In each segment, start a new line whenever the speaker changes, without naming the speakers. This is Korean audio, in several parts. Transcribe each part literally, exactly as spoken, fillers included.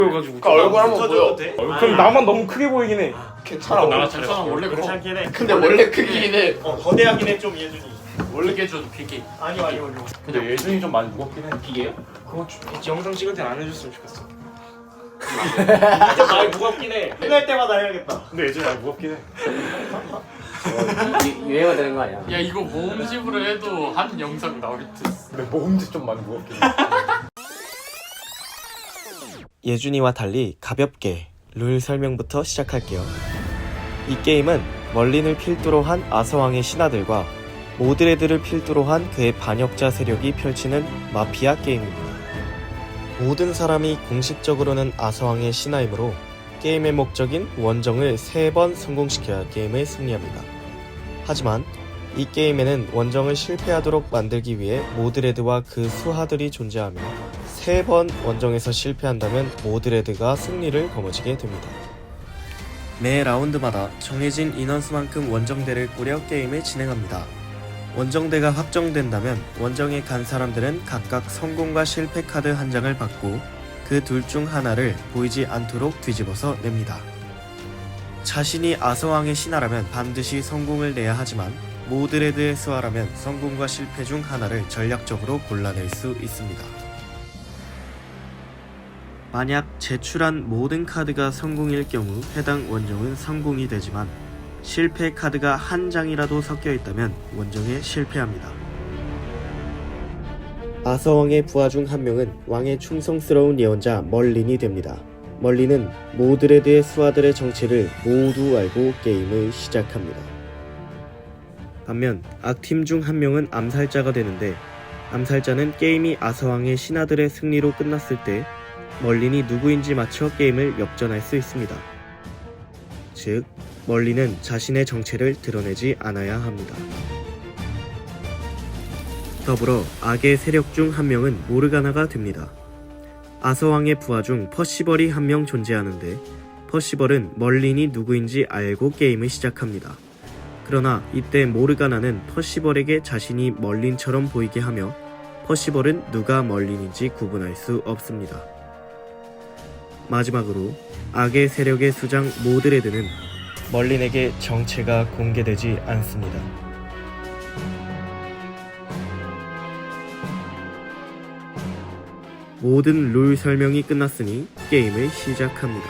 그래가지고
그 얼굴 한번 보여.
돼?
어, 그럼 나만 너무 크게 보이긴 해.
괜찮아.
나랑
원래.
괜찮아 원래 그렇지
그렇
않긴 해.
근데 원래 크긴 해.
어 거대하긴 해 좀 예준이.
원래 깨줘도 비계.
아니요 아니요 아니요.
근데 예준이 좀 많이 무겁긴 해.
비계요?
그거 주, 영상 찍을 땐 안 해줬으면 좋겠어.
좀 많이 무겁긴 해. 끝날 때마다 해야겠다.
근데 예준이 많이 무겁긴 해.
유행어 되는 거 아니야?
야 이거 모음집으로 해도 한 영상 나올 듯.
근데 모음집 좀 많이 무겁긴 해.
예준이와 달리 가볍게 룰 설명부터 시작할게요. 이 게임은 멀린을 필두로 한 아서왕의 신하들과 모드레드를 필두로 한 그의 반역자 세력이 펼치는 마피아 게임입니다. 모든 사람이 공식적으로는 아서왕의 신하이므로 게임의 목적인 원정을 세 번 성공시켜야 게임을 승리합니다. 하지만 이 게임에는 원정을 실패하도록 만들기 위해 모드레드와 그 수하들이 존재하며 세 번 원정에서 실패한다면 모드레드가 승리를 거머쥐게 됩니다. 매 라운드마다 정해진 인원수만큼 원정대를 꾸려 게임을 진행합니다. 원정대가 확정된다면 원정에 간 사람들은 각각 성공과 실패 카드 한 장을 받고 그 둘 중 하나를 보이지 않도록 뒤집어서 냅니다. 자신이 아서왕의 신하라면 반드시 성공을 내야 하지만 모드레드의 수하라면 성공과 실패 중 하나를 전략적으로 골라낼 수 있습니다. 만약 제출한 모든 카드가 성공일 경우 해당 원정은 성공이 되지만 실패 카드가 한 장이라도 섞여 있다면 원정에 실패합니다. 아서왕의 부하 중 한 명은 왕의 충성스러운 예언자 멀린이 됩니다. 멀린은 모드레드의 수하들의 정체를 모두 알고 게임을 시작합니다. 반면 악팀 중 한 명은 암살자가 되는데 암살자는 게임이 아서왕의 신하들의 승리로 끝났을 때 멀린이 누구인지 맞춰 게임을 역전할 수 있습니다. 즉, 멀린은 자신의 정체를 드러내지 않아야 합니다. 더불어 악의 세력 중 한 명은 모르가나가 됩니다. 아서왕의 부하 중 퍼시벌이 한 명 존재하는데 퍼시벌은 멀린이 누구인지 알고 게임을 시작합니다. 그러나 이때 모르가나는 퍼시벌에게 자신이 멀린처럼 보이게 하며 퍼시벌은 누가 멀린인지 구분할 수 없습니다. 마지막으로 악의 세력의 수장 모드레드는 멀린에게 정체가 공개되지 않습니다. 모든 룰 설명이 끝났으니 게임을 시작합니다.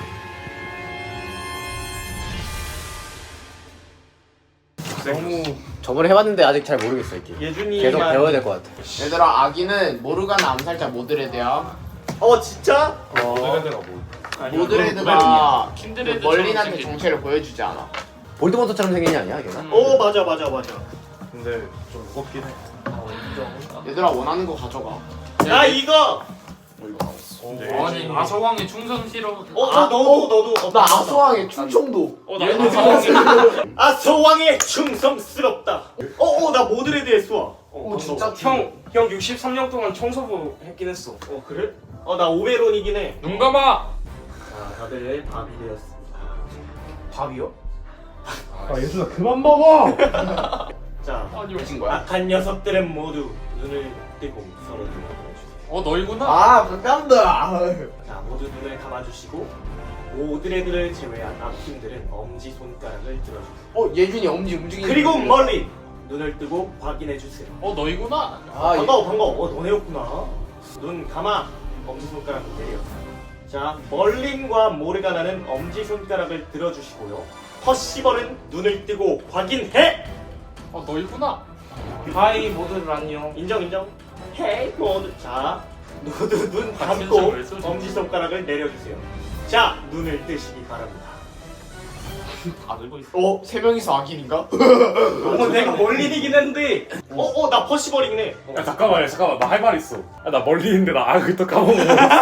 너무
저번에 해봤는데 아직 잘 모르겠어 이게.
예준이만.
계속 배워야 될 것 같아.
얘들아 아기는 모르가나 암살자 모드레드야.
어 진짜?
모드레드가 뭐?
모드레드가
킨드레드
멀린한테 정체를 보여주지 않아.
볼드모트처럼 생긴 애 아니야 걔가?
어 맞아 맞아 맞아.
근데 좀 무겁긴 해.
얘들아 원하는 거 가져가.
나 이거.
어 이거 나왔어. 근데
아니
예준이
아서왕의 충성 싫어.
어, 어 너도 너도. 어,
나 아소왕의 충청도.
어나
얘는 아서왕의
아서왕의 충성스럽다. 어어 나 모드레드의 수아. 어,
어 진짜
형, 형 육십삼 년 동안 청소부 했긴 했어.
어 그래? 어 나 오베론이긴 해.
눈 감아.
자 다들 밥이 되었습니다.
밥이요?
아 예준아 그만 먹어.
자
아니
미친 거야?
악한 녀석들은 모두 눈을 뜨고 서로 눈을 감아주세요.
어 너희구나.
아 반갑다.
자 모두 눈을 감아주시고 모드레드를 제외한 악팀들은 엄지 손가락을 들어주세요.
어 예준이 엄지 움직이는.
그리고 멀리 눈을 뜨고 확인해주세요.
어 너희구나.
아
반가워 반가워. 어 너네였구나. 눈 감아. 엄지손가락을 내려. 자 멀린과 모르가나는 엄지손가락을 들어주시고요. 퍼시벌은 눈을 뜨고 확인해.
어 너희구나.
하이 모두들 안녕.
인정 인정. 헤이 모두. 자 모두 눈
아,
감고
진짜 왜 쏘지?
엄지손가락을 내려주세요. 자 눈을 뜨시기 바랍니다.
다 들고 있어.
어? 세 명이서 악인인가?
어 내가 멀린이긴 했는데. 어어 나 퍼시벌이긴 해. 어.
야 잠깐만 잠깐만 나 할 말 있어. 야, 나 멀리 있는데 나 아그 또 까먹어.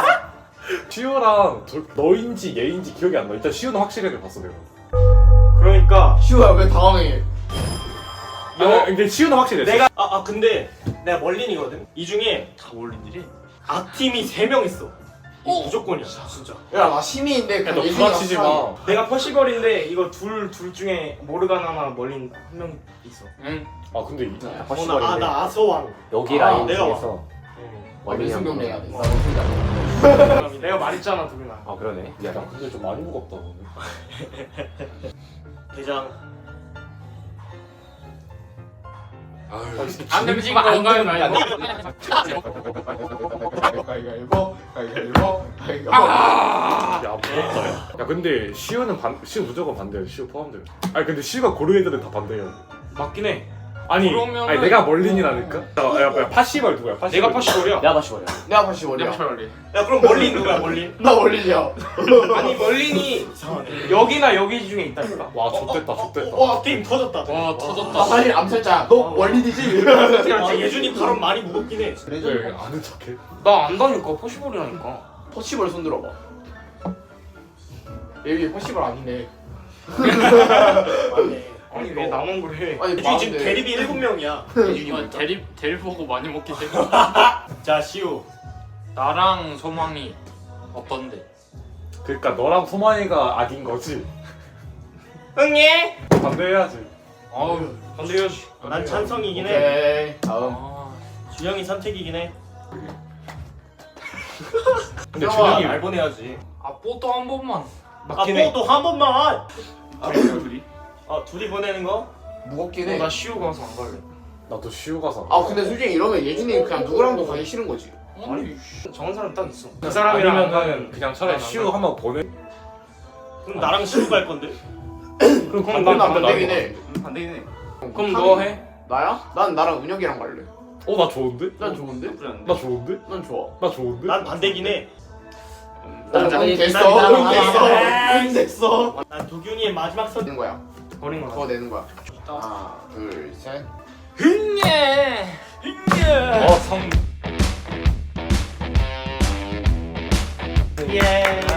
시우랑 저, 너인지 얘인지 기억이 안 나. 일단 시우는 확실하게 봤어 내가.
그러니까
시우야 왜 당황해?
아, 근데 시우는 확실했어.
내가 아, 아 근데 내가 멀린이거든. 이 중에
다 올린들이.
악팀이 세 명 있어. 이거
어?
무조건이야 진짜.
야 나 시민인데
야, 너
예준이가
부딪히지 마.
수상해.
내가
퍼시벌인데 이거 둘 둘 중에 모르가나나 멀린 한 명 있어.
응.
아 근데 이
어, 나, 아,
퍼시벌인데
나 아서왕.
여기
아,
라인
내가
중에서
아, 민승 경례해야 돼.
내가 말했잖아 둘이나.
아 그러네. 미안해.
야 근데 좀 많이 무겁다 오늘.
대장.
아유
안 되지 건가요 말고.
가위가위보 가위가위보 가위가위보.
야 무겁다. 야. 야 근데 시우는 반 시우 무조건 반대야. 시우 포함돼요. 아니 근데 시우가 고르 애들은 다 반대예요.
맞긴 해.
아니
그러면은-
아니 내가 멀린이라니까. 야, 야, 야 파시벌 누구야? 파시벌.
내가 파시볼이야.
내가 다시 버려.
내가 다시 멀리야.
냠철리.
야 그럼 멀린 누구야 멀린?
나 멀리야.
아니 멀린이
이상하네.
여기나 여기 중에 있다니까.
와 좆됐다 좆됐다.
와 게임 터졌다.
와
나
터졌다.
사실 암살자. 너 원리디지?
아 예준이 발음 많이 무겁긴 해.
왜 아는 척해?
나 안다니까 파시볼이라니까.
퍼시벌 손 들어봐. 여기 퍼시벌 아니네.
맞네.
아니 왜 나만 그래?
아니
예준이 지금
많은데.
대립이 일곱 명이야.
이거 대립 대립 보고 많이 먹기 때문에.
자 시우.
나랑 소망이 어떤데?
그러니까 너랑 소만이가 악인 거지.
응예.
반대해야지.
아우
반대해야지.
난 찬성이긴 해.
오케이. 다음.
아,
준영이 선택이긴 해.
근데
형아,
준영이
날 보내야지.
아 뽀또 한 번만.
아 뽀도 한 번만.
아 둘이?
아 둘이 보내는 거?
무겁긴
어,
해.
나 시우 가서 안 갈래.
나도 시우 가서.
아 근데 솔직히 이러면 예준이 그냥 누구랑도 가기 싫은 거지.
아니
정한 사람 딱 있어. 그
아니면은
사람이랑 안 가면
그냥 차라리
난안
시우
갈래.
한번 보내.
그럼 나랑 시우 갈 건데?
그럼
그럼
반반
나
반반
반대긴 해.
안 되긴 해. 그럼 너 해?
나야? 난 나랑 은혁이랑 갈래.
어나 좋은데?
난 좋은데?
나 좋은데?
난 좋아.
나 좋은데?
난 반대긴 해.
난
난
응 됐어.
난
응 됐어.
난
응 됐어.
난 도균이의 마지막 선.
되는 거야.
버린
그거
거야.
내는 거야. 하나, 둘, 셋.
흥예.
어 성.
예.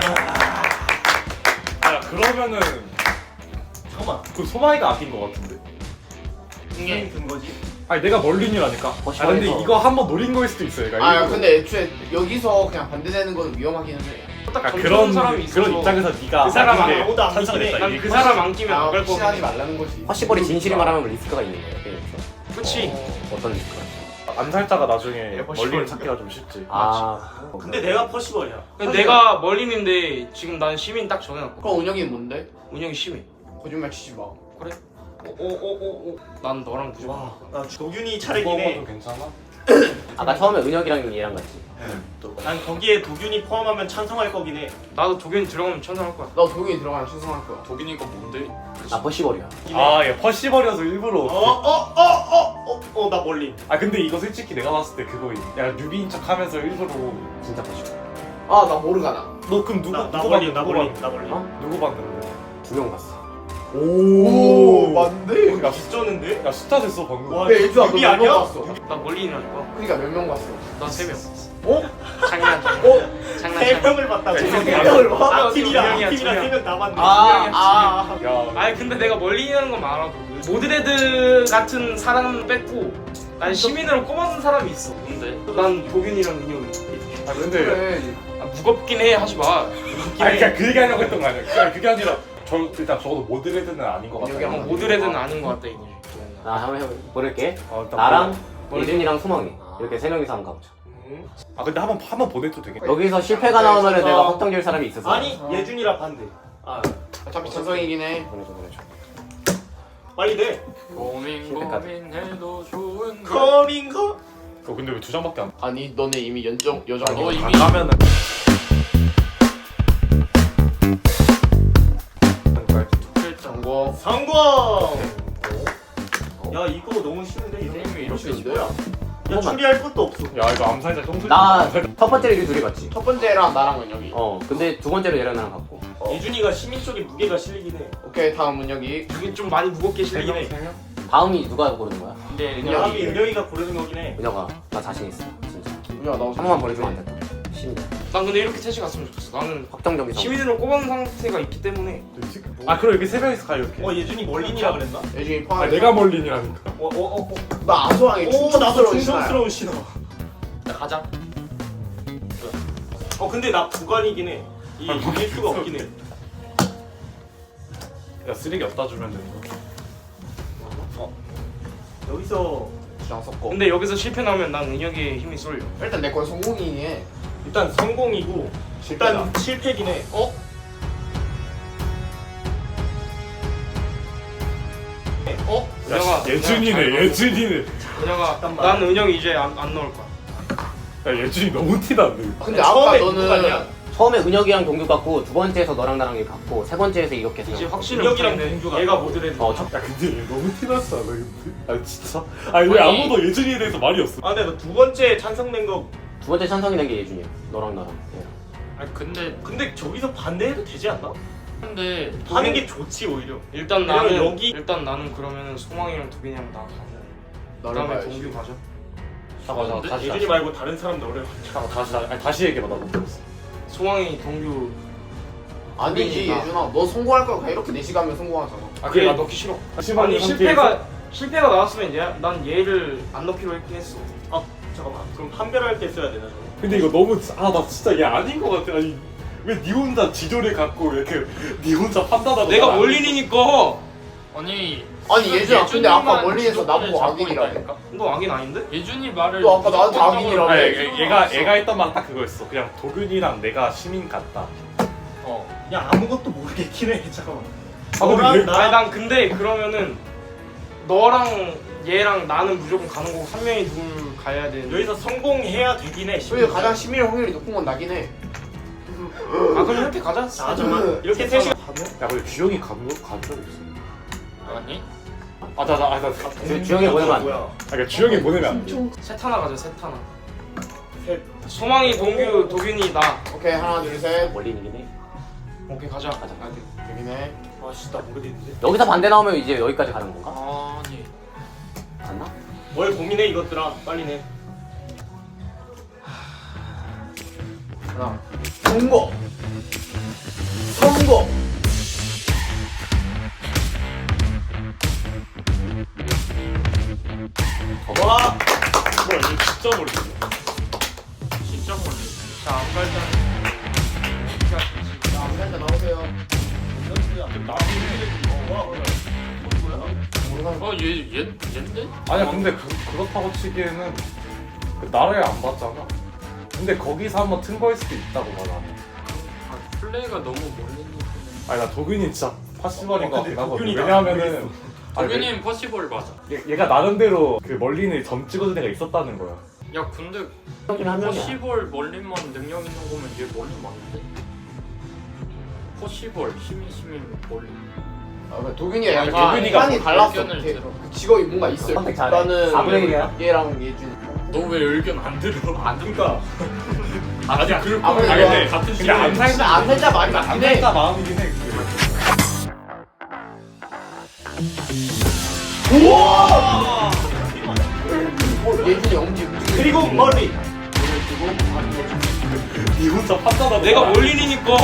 야 그러면은
잠깐만.
그 소마이가 악인 거 같은데?
게임 든 거지?
아니 내가 멀린이라니까. 아 근데
시원해서.
이거 한번 노린 거일 수도 있어. 얘가
아
일부러.
근데 애초에 여기서 그냥 반대되는 건 위험하기는 해.
딱
아,
그런
그런
사람이 있어서
그런 입장에서 네가
그 사람
악인데
아무도 안
찬성을
믿긴 해.
했다.
난
이게
그 사람 안 끼면
아,
안 갈
확신하지
거거든.
말라는 거지.
허시벌이 진실이 말하면 리스크가 있는 거야 게임에서.
그치?
어떤 리스크가?
암살자가 나중에
야,
멀린
시벌.
찾기가 좀 쉽지.
아.
근데 내가 퍼시벌이야.
근데 내가 멀린인데 지금 난 시민 딱 정해놨고.
그럼 은혁이는 뭔데?
운영이 시민.
거짓말 치지 마.
그래? 오오오오. 난 너랑 무조건.
와, 나 도균이 차례긴
이거
해.
좀 괜찮아?
아까 처음에 은혁이랑 얘랑 같이.
난 거기에 도균이 포함하면 찬성할 거긴 해.
나도 독일 들어가면 천상할 거야.
너 독일 들어가면 신성할 거야.
독인이가 뭔데?
나 허시벌이야.
아, 얘 퍼시벌이어서 일부러.
어, 어, 어, 어, 어, 어, 나 멀린.
아 근데 이거 솔직히 내가 봤을 때 그거임. 야 뉴비인 척하면서 일부러.
진짜 허시벌.
아 나 모르가나.
너 그럼 누구
나, 나
누구
멀린,
봤는데?
나
누구
멀린,
봤-
나 멀린.
어?
누구 봤는데?
두 명 봤어.
오 맞네.
야,
빗쩌는데?
야 숫자 됐어 방금.
와,
근데 애주야
뉴비
너몇명
아니야?
봤어?
나 멀린이라니까.
그러니까 몇 명 봤어?
나 세 명.
어?
장난 장난.
어?
장난
세
장난.
명을 봤다고.
세
세
명을
봐?
아팀이랑
두 명이야,
아팀이랑
두 명.
세 명 다 봤네.
아, 아.
야,
아니 근데 내가 멀린이라는 건 알아도 모드레드 같은 사람 뺐고 난 시민으로 꼽아둔 사람이 있어.
뭔데?
난 도균이랑 은영이.
아 근데.
그래.
아, 무겁긴 해 하지 마.
아 그러니까 그 얘기하려고 했던 거 아니야. 그게, 그게 아니라 저 일단 적어도 모드레드는 아닌 것 같아.
여기
어,
한번
모드레드는 아닌 것 같다 이거지.
나 한번 해볼 모를게.
어, 일단
나랑
보내.
예준이랑 소망이 이렇게 세 명이서 한번 가보자.
아 근데 한번 한번 보내도 되겠다.
여기서 실패가 나오면
그래서-
내가 확정될 사람이 있어서.
아니, 예준이랑 반대. 아,
어차피 찬성이긴 해.
보내줘 보내줘.
빨리 돼.
고민
실패까지.
고민해도 좋은 거.
커밍커.
어 근데 왜 두 장밖에 안?
아니 너네 이미 연정 여정.
너
아니야?
이미-
가면은.
정보.
성공. 야, 이거 너무 쉬운데 이거.
게임이
이렇게
이렇게
인데요?
야, 추리할 것도 없어.
야 이거 암살자 똥.
나첫 번째로 이 둘이 봤지.
첫 번째랑 나랑 은혁이.
어 근데 두 번째로 얘랑 나랑 봤고.
예준이가 시민 쪽에 무게가 실리긴 해.
오케이 다음 은혁이.
이게 좀 많이 무겁게 실리긴 해.
다음이 누가 고르는 거야?
근데
은혁이.
야합이 은영이가 고르는 거긴 해.
은혁아 나 자신 있어 진짜.
야, 나
한 번만 보내주면 안 될까? 시민.
난 근데 이렇게 셋이 갔으면 좋겠어. 나는
확정적인 성.
시민으로 꼽은 상태가 있기 때문에.
아 그럼 이렇게 세 명이서 가 이렇게.
어, 예준이 멀린이라 그랬나?
예준이
아
포함.
내가 멀린이라니까.
어, 어, 어, 어.
나 아소랑이
오, 나도
충성스러운 신하야.
충성스러운 신호.
야, 가자.
어, 근데 나 부관이긴 해. 이 이길 수가 없긴 해.
야 쓰레기 없다 주면은.
여기서
주장 섞고.
근데 여기서 실패 나오면 난 은혁의 힘이 쏠려.
일단 내 건 성공이긴 해.
일단 성공이고 일단 실패긴 해. 어?
어?
야,
은혁아.
씨, 예준이네 예준이네.
은혁아.
잠깐만.
난 은혁이 이제 안, 안 넣을 거야.
야 예준이 너무 티나는데.
근데 아까
처음에 누구 같냐?
너는
처음에 은혁이랑 동규 같고 두 번째에서 너랑 나랑 이렇게 같고 세 번째에서 이렇게
이제
생각.
확실히
은혁이랑
없겠네.
동규가
얘가 모드레드.
어, 첫
야 근데 얘 너무 티났어 나 근데. 아 진짜? 아니 왜
아니.
아무도 예준이에 대해서 말이 없어?
아 근데 너 두 번째 찬성된 거
두 번째 찬성이 된 게 예준이야. 너랑 나랑. 얘랑.
아니 근데
근데 저기서 반대해도 되지 않나?
근데
하는 게 좋지 오히려.
일단
왜냐면
나는
여기-
일단 나는 그러면은 소망이랑 도빈이랑 나 가고.
나를
그다음에
봐야지.
동규 가자.
잠깐 잠깐 다시
예준이
다시
말고 다른 사람 너를.
잠깐 다시 다시 아니 다시 얘기해봐 나 못 들었어.
소망이 동규.
아니지
나.
예준아 너 성공할 거야. 이렇게 네 시간면 성공하잖아.
아 그래 나 넣기 싫어.
심한
아니
상태에서-
실패가 실패가 나왔으면 얘, 난 얘를 안 넣기로 했긴 했어.
아 잠깐만. 그럼 판별할 때 써야 되나 저거?
근데 이거 너무 아 나 진짜 얘 아닌 것 같아. 아니 왜 니 혼자 지조를 갖고 이렇게 니 혼자 판단하고
내가
날 안-
원린이니까.
아니
아니 예준아 근데 아까
예준이만
멀리에서
주도권을
나보고
잡고
악인이라며.
있다니까?
너 악인 아닌데?
예준이 말을
너 아까 나한테
무조건적으로
악인이라며.
아니
믿을
얘- 얘가
수는
얘가
없어.
했던 말 딱 그거였어. 그냥 도균이랑 내가 시민 같다.
어.
야 아무것도 모르겠긴 해. 잠깐만.
아, 근데
너랑
얘-
나
아니 난 근데 그러면은 너랑 얘랑 나는 무조건 가는 거고 한 명이 누굴 가야 되는데.
여기서 성공해야 되긴 해.
그게 가장 시민의 확률이 높은 건 나긴 해.
아 그럼 이렇게 가자.
아 잠깐만. 이렇게 셋이 가면?
야 근데 주영이 간간적 있어.
아니
아, 나, 나, 아, 나, 아,
주- 주영이 보내면 안 돼.
뭐야?
그러니까 주영이 보내면 안 돼.
셋 하나 가자 셋 하나.
셋.
소망이 동규 도균이 나.
오케이 하나 둘 셋.
원린이긴 해.
오케이 가자.
가자.
되긴 해.
아 진짜 모르겠는데.
여기서 반대 나오면 이제 여기까지 가는 건가?
아니
갔나?
뭘 고민해 이것들아. 빨리 내.
하나. 선거. 선거.
와.
뭐야 이거 진짜 모르겠어.
진짜 몰라.
자 암갈장.
자 암살자 나오세요. 모르겠어.
어얘얘 얘인데?
아니야 근데 그, 그렇다고 치기에는 그 나를 안 봤잖아. 근데 거기서 한번 튼 거일 수도 있다고 봐 나는.
아, 플레이가 너무 몰리는.
아니 나 도균이 진짜 파시벌인 것
어,
같긴
근데
하거든.
도균이
왜냐하면은 아니,
도균이는 퍼시벌 맞아.
얘, 얘가 나름대로 그 멀린을 점 찍어준 애가 있었다는 거야.
야 근데
형님 한 명이야.
퍼시벌 멀리만 능력 있는 거면 얘 멀리 맞는데? 퍼시벌 시민 시민 멀리.
아, 그러니까 도균이가 약간
아, 도균이가
판이
뭐
달랐어.
의견을
이렇게
들어.
그 직업이 뭔가 있어요.
선택 잘해.
나는
사분의 일이야?
얘랑 예준.
너 왜 의견 안 들어? 안
그러니까
아니 그럴
아,
거면
근데
근데
같은
근데
시간에
암살자
암살자 말이 맞긴 해.
암살자 마음이긴 해.
예준이 엄지 움직이고.
그리고 머리.
니 혼자 판단하고
내가
말-
원린이니까.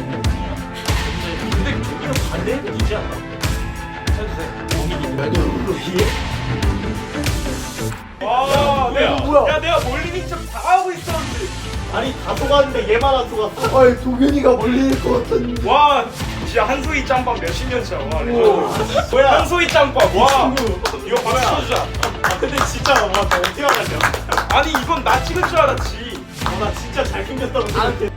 근데 저기는 반대해도 되지 않나? 해도 돼.
와
내가
뭐야? 야 내가 원린인 척 다 하고 있었는데.
아니 다 속았는데 얘만 안 속았어.
아이 도균이가 멀리일 것 같은.
와 진짜 한소희 짬밥 몇십 년 차. 와
뭐야?
한소희 짬밥. 와 이거
뭐야?
박수 쳐주자.
아 근데 진짜 와나 어떻게 알았냐?
아니 이건 나 찍은 줄 알았지.
어, 나 진짜 잘생겼다고 생각해.